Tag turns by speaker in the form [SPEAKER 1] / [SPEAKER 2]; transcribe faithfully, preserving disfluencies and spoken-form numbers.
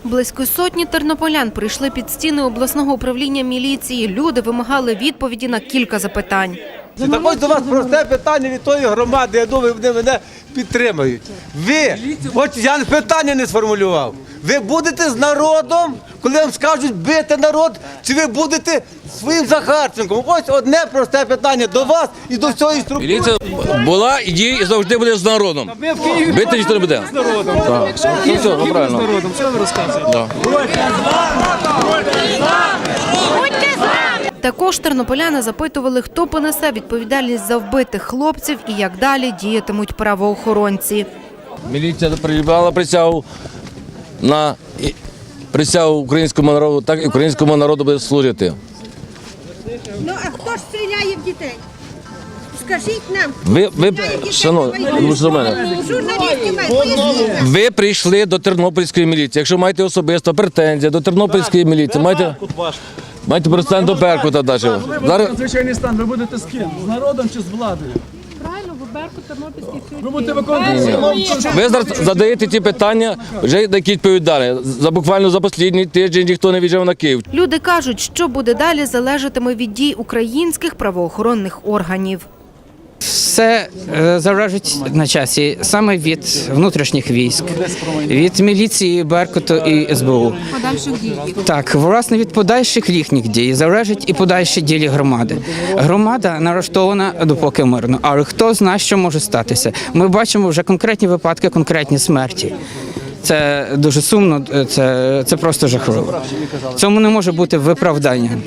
[SPEAKER 1] Близько сотні тернополян прийшли під стіни обласного управління міліції. Люди вимагали відповіді на кілька запитань.
[SPEAKER 2] Так ось до вас просте питання від тої громади, я думаю, вони мене підтримають. Ви, хоч я питання не сформулював, ви будете з народом, коли вам скажуть бити народ, чи ви будете своїм Захарченком? Ось одне просте питання до вас і до всієї структури.
[SPEAKER 3] Міліція була і діє і завжди буде з народом. Бити ніхто не буде. З народом. Так. Все, все, правильно. З народом, що ви розказуєте?
[SPEAKER 1] Також тернополяни запитували, хто понесе відповідальність за вбитих хлопців і як далі діятимуть правоохоронці.
[SPEAKER 3] Міліція приймала присягу на присягу українському народу, так і українському народу буде служити.
[SPEAKER 4] Ну, а хто ж стріляє в дітей? Скажіть нам,
[SPEAKER 3] Ви, ви, шановні,
[SPEAKER 4] журналістів мають.
[SPEAKER 3] ви прийшли до Тернопільської міліції. Якщо маєте особисто претензії до Тернопільської міліції, маєте, маєте претензії до Беркута навіть. Зараз
[SPEAKER 5] Надзвичайний стан, ви будете з ким? З народом чи з владою?
[SPEAKER 6] Правильно, в Беркут, Тернопільський суд.
[SPEAKER 5] Ви будете виконувати.
[SPEAKER 3] ви зараз задаєте ті питання, вже які відповідали. За буквально за останній тиждень ніхто не в'їжджав на Київ.
[SPEAKER 1] Люди кажуть, що буде далі, залежатиме від дій українських правоохоронних органів.
[SPEAKER 7] Все е, залежить на часі саме від внутрішніх військ, від міліції, Беркуту і ес бе у.
[SPEAKER 6] Подальших дій.
[SPEAKER 7] Так, власне, від подальших їхніх дій залежить і подальші ділі громади. Громада налаштована допоки мирно, але хто знає, що може статися. Ми бачимо вже конкретні випадки, конкретні смерті. Це дуже сумно, це, це просто жахливо. Цьому не може бути виправдання.